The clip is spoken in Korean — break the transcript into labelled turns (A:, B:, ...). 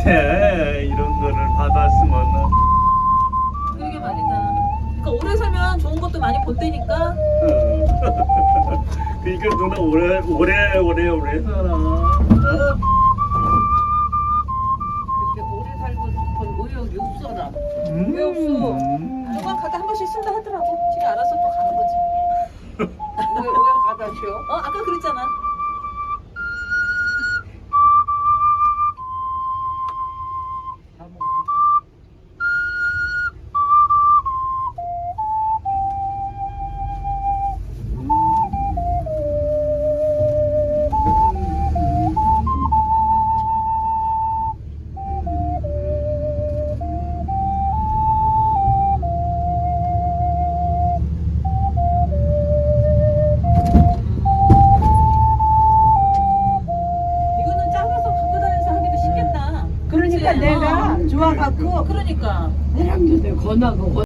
A: 못해. 이런 거를 받았으면은.
B: 그러게 말이다. 그러니까 오래 살면 좋은 것도 많이 본다니까.
A: 그러니까 누나 오래 살아.
C: 그렇게 오래 살고 싶은 의욕이 없어라.
B: 왜 없어? 누가 가다 한 번씩 쓴다 하더라고. 지가 알아서 또 가는 거지.
C: 왜 가다 쉬어?
B: 아까 그랬잖아. 이거는 작아서 갖고 다니면서 하기도 쉽겠다.
C: 그러니까
B: 그치?
C: 내가 좋아갖고
B: 그러니까.
C: 내랑도 내 권하고